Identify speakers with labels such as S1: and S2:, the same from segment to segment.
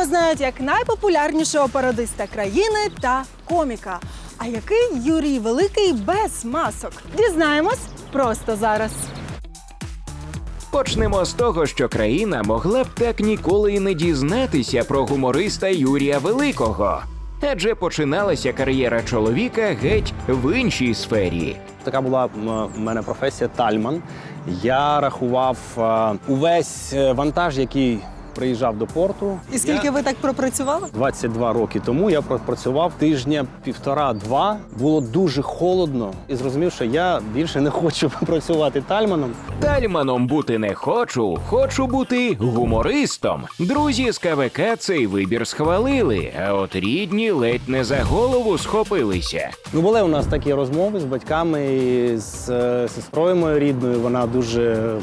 S1: його знають як найпопулярнішого пародиста країни та коміка. А який Юрій Великий без масок? Дізнаємось просто зараз.
S2: Почнемо з того, що країна могла б так ніколи і не дізнатися про гумориста Юрія Великого. Адже починалася кар'єра чоловіка геть в іншій сфері.
S3: Така була в мене професія тальман. Я рахував увесь вантаж, який приїжджав до порту.
S1: І скільки ви так пропрацювали?
S3: 22 роки тому я пропрацював тижня півтора-два. Було дуже холодно і зрозумів, що я більше не хочу працювати тальманом.
S2: Тальманом бути не хочу, хочу бути гумористом. Друзі з КВК цей вибір схвалили, а от рідні ледь не за голову схопилися.
S3: Ну, були у нас такі розмови з батьками, і з сестрою моєю рідною. Вона дуже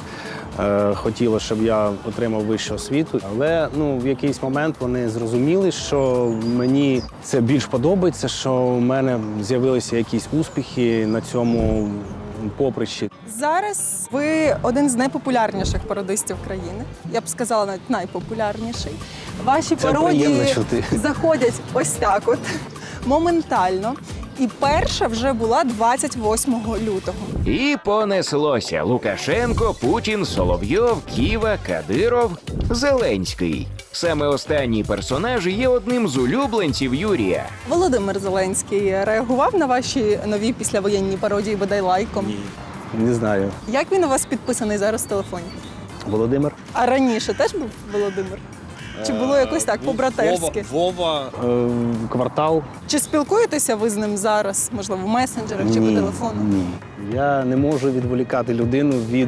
S3: хотіла, щоб я отримав вищу освіту. Але в якийсь момент вони зрозуміли, що мені це більш подобається, що в мене з'явилися якісь успіхи на цьому поприщі.
S1: Зараз ви один з найпопулярніших пародистів країни. Я б сказала, навіть найпопулярніший. Ваші пародії
S3: приємно чути.
S1: заходять ось так от, моментально. І перша вже була 28 лютого.
S2: І понеслося Лукашенко, Путін, Соловйов, Ківа, Кадиров, Зеленський. Саме останній персонаж є одним з улюбленців Юрія.
S1: Володимир Зеленський реагував на ваші нові післявоєнні пародії, бодай лайком?
S3: Ні. Не знаю.
S1: Як він у вас підписаний зараз в телефоні?
S3: Володимир?
S1: А раніше теж був Володимир? Чи було якось так, по-братерськи?
S3: Вова. Квартал.
S1: Чи спілкуєтеся ви з ним зараз, можливо, в месенджерах чи по телефону?
S3: Ні. Я не можу відволікати людину від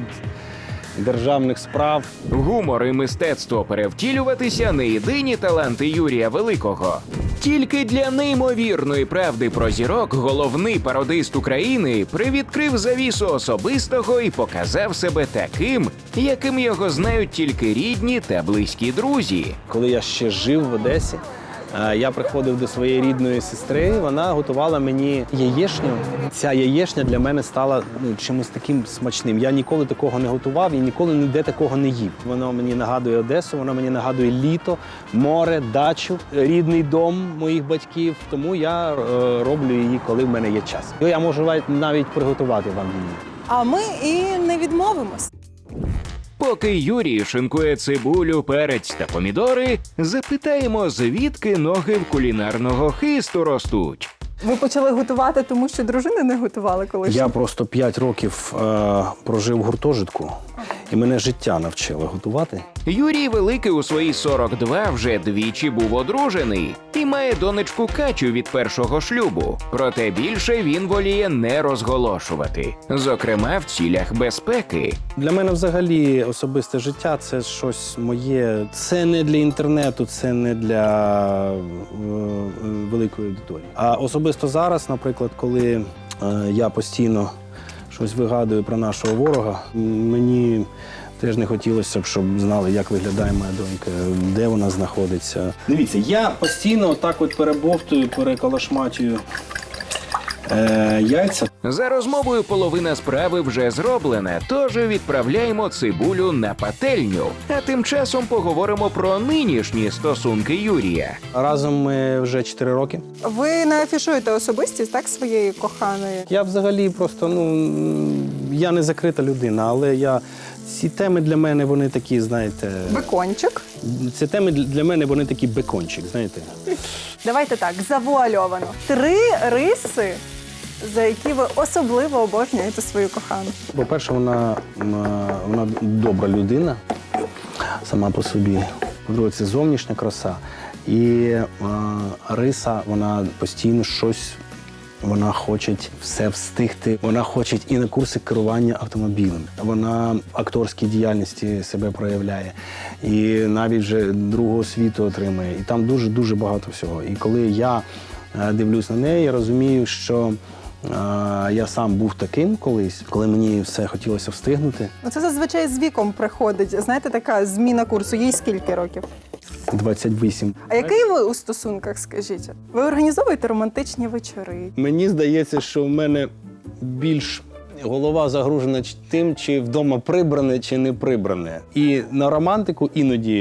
S3: державних справ.
S2: Гумор і мистецтво перевтілюватися – не єдині таланти Юрія Великого. Тільки для неймовірної правди про зірок головний пародист України привідкрив завісу особистого і показав себе таким, яким його знають тільки рідні та близькі друзі.
S3: Коли я ще жив в Одесі, я приходив до своєї рідної сестри, вона готувала мені яєчню. Ця яєчня для мене стала чимось таким смачним. Я ніколи такого не готував і ніколи ніде такого не їв. Воно мені нагадує Одесу, воно мені нагадує літо, море, дачу, рідний дом моїх батьків. Тому я роблю її, коли в мене є час. Я можу навіть приготувати вам її.
S1: А ми і не відмовимось.
S2: Поки Юрій шинкує цибулю, перець та помідори, запитаємо, звідки ноги в кулінарного хисту ростуть.
S1: Ви почали готувати, тому що дружини не готували колись?
S3: Я просто 5 років прожив в гуртожитку, і мене життя навчило готувати.
S2: Юрій Великий у свої 42 вже двічі був одружений і має донечку Катю від першого шлюбу. Проте більше він воліє не розголошувати, зокрема в цілях безпеки.
S3: Для мене взагалі особисте життя – це щось моє. Це не для інтернету, це не для великої аудиторії. А особисто зараз, наприклад, коли я постійно щось вигадую про нашого ворога, мені теж не хотілося б, щоб знали, як виглядає моя донька, де вона знаходиться. Дивіться, я постійно так от перебовтую, переколошматюю яйця.
S2: За розмовою половина справи вже зроблена, тож відправляємо цибулю на пательню. А тим часом поговоримо про нинішні стосунки Юрія.
S3: Разом ми вже 4 роки.
S1: Ви не афішуєте особистість, так, своєї коханої?
S3: Я взагалі просто, я не закрита людина, але ці теми для мене, вони такі, знаєте...
S1: Бекончик.
S3: Ці теми для мене, вони такі бекончик, знаєте.
S1: Давайте так, завуальовано. 3 риси, за які ви особливо обожнюєте свою кохану.
S3: По-перше, вона добра людина сама по собі. По-друге, це зовнішня краса. І риса, вона постійно щось, вона хоче все встигти. Вона хоче і на курси керування автомобілем. Вона в акторській діяльності себе проявляє. І навіть вже другу освіту отримує. І там дуже-дуже багато всього. І коли я дивлюсь на неї, я розумію, що я сам був таким колись, коли мені все хотілося встигнути.
S1: Це зазвичай з віком приходить. Знаєте, така зміна курсу. Їй скільки років?
S3: 28.
S1: А який ви у стосунках, скажіть? Ви організовуєте романтичні вечори?
S3: Мені здається, що в мене більш голова загружена тим, чи вдома прибране, чи не прибране. І на романтику іноді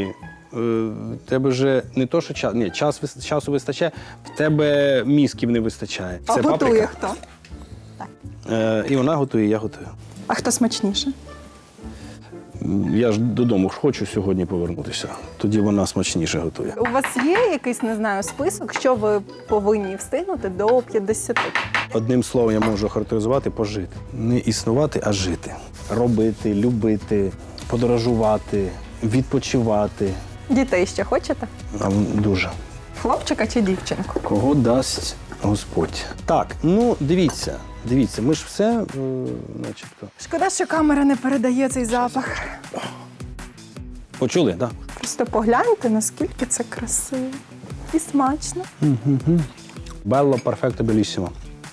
S3: в тебе вже не то, що час, ні, часу вистачає, в тебе мізків не вистачає.
S1: А
S3: Це
S1: готує
S3: паприка.
S1: хто?
S3: І вона готує, і я готую.
S1: А хто смачніше?
S3: Я ж додому ж хочу сьогодні повернутися. Тоді вона смачніше готує.
S1: У вас є якийсь, не знаю, список, що ви повинні встигнути до 50?
S3: Одним словом я можу характеризувати пожити. Не існувати, а жити. Робити, любити, подорожувати, відпочивати.
S1: Дітей ще хочете?
S3: Дуже.
S1: Хлопчика чи дівчинку?
S3: Кого дасть Господь. Так, ну дивіться, ми ж все, начебто.
S1: Шкода, що камера не передає цей запах.
S3: Почули, так?
S1: Просто погляньте, наскільки це красиво і смачно.
S3: Белло, перфекто, белісімо.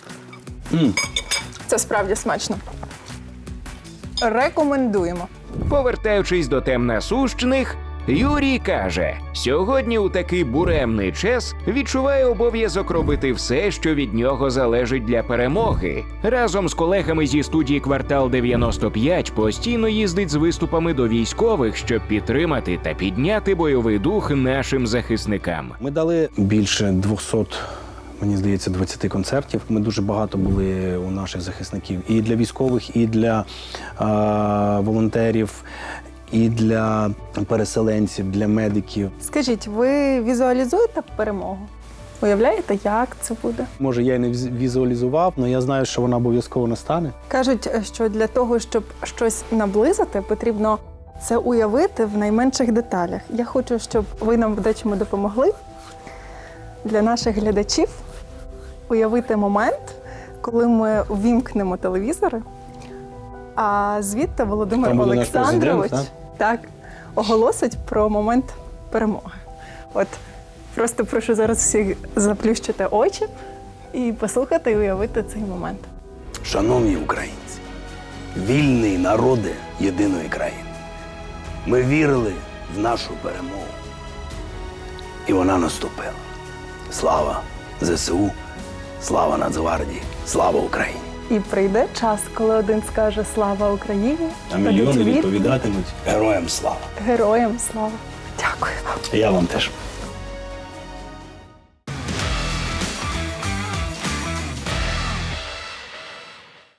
S1: Це справді смачно. Рекомендуємо.
S2: Повертаючись до тем насущних, Юрій каже, сьогодні у такий буремний час відчуває обов'язок робити все, що від нього залежить для перемоги. Разом з колегами зі студії «Квартал 95» постійно їздить з виступами до військових, щоб підтримати та підняти бойовий дух нашим захисникам.
S3: Ми дали більше 200, мені здається, 20 концертів. Ми дуже багато були у наших захисників. І для військових, і для волонтерів, і для переселенців, для медиків.
S1: Скажіть, ви візуалізуєте перемогу? Уявляєте, як це буде?
S3: Може, я і не візуалізував, але я знаю, що вона обов'язково настане.
S1: Кажуть, що для того, щоб щось наблизити, потрібно це уявити в найменших деталях. Я хочу, щоб ви нам в дечому допомогли для наших глядачів уявити момент, коли ми ввімкнемо телевізори, а звідти Володимир
S3: Там буде наш
S1: Олександрович
S3: президент,
S1: так, оголосить про момент перемоги. От просто прошу зараз всіх заплющити очі і послухати і уявити цей момент.
S4: Шановні українці, вільні народи єдиної країни. Ми вірили в нашу перемогу. І вона наступила. Слава ЗСУ, слава Нацгвардії, слава Україні!
S1: І прийде час, коли один скаже «Слава Україні»,
S3: А мільйони
S1: тоді
S3: відповідатимуть.
S4: Героям слава!
S1: героям слава. Дякую вам.
S3: Я вам теж.